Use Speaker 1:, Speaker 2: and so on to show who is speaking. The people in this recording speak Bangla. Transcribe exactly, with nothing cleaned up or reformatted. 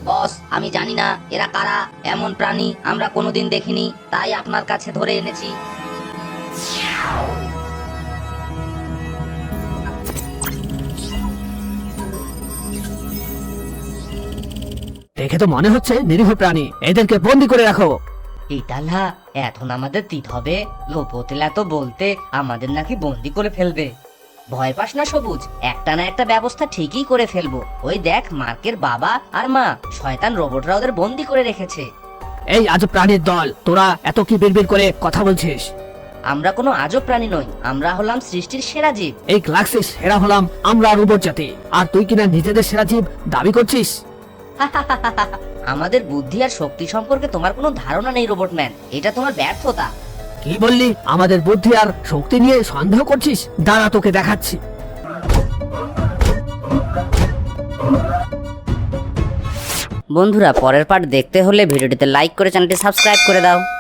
Speaker 1: বস, আমি জানি না এরা কারা। এমন প্রাণী আমরা কোনোদিন দেখিনি, তাই আপনার কাছে ধরে এনেছি।
Speaker 2: দেখে তো মনে হচ্ছে নিরীহ প্রাণী, এদেরকে বন্দি করে রাখো।
Speaker 1: ইটালা, এখন আমাদের তিত হবে। লোপোতেলা তো বলতে আমাদের নাকি বন্দি করে ফেলবে। ভয় পাস না সবুজ, একটা না একটা ব্যবস্থা ঠিকই করে ফেলবো। ওই দেখ, মার্কের বাবা আর মা শয়তান রোবটরা ওদের বন্দি করে রেখেছে।
Speaker 2: এই আজব প্রাণীর দল, তোরা এত কি বিড়বিড় করে কথা বলছিস?
Speaker 1: আমরা কোনো আজব প্রাণী নই, আমরা হলাম সৃষ্টির সেরা জীব।
Speaker 2: এই গ্যালাক্সির সেরা হলাম আমরা রোবট জাতি, আর তুই কিনা নিজেদের সেরা জীব দাবি করছিস?
Speaker 1: আমাদের বুদ্ধি আর শক্তি সম্পর্কে তোমার কোনো ধারণা নেই রোবট ম্যান, এটা তোমার ব্যর্থতা।
Speaker 2: কি বললি? আমাদের বুদ্ধি আর শক্তি নিয়ে সন্দেহ করছিস? দাঁড়া, তোকে দেখাচ্ছি।
Speaker 1: বন্ধুরা, পরের পার্ট দেখতে হলে ভিডিওটিতে লাইক করে চ্যানেলটি সাবস্ক্রাইব করে দাও।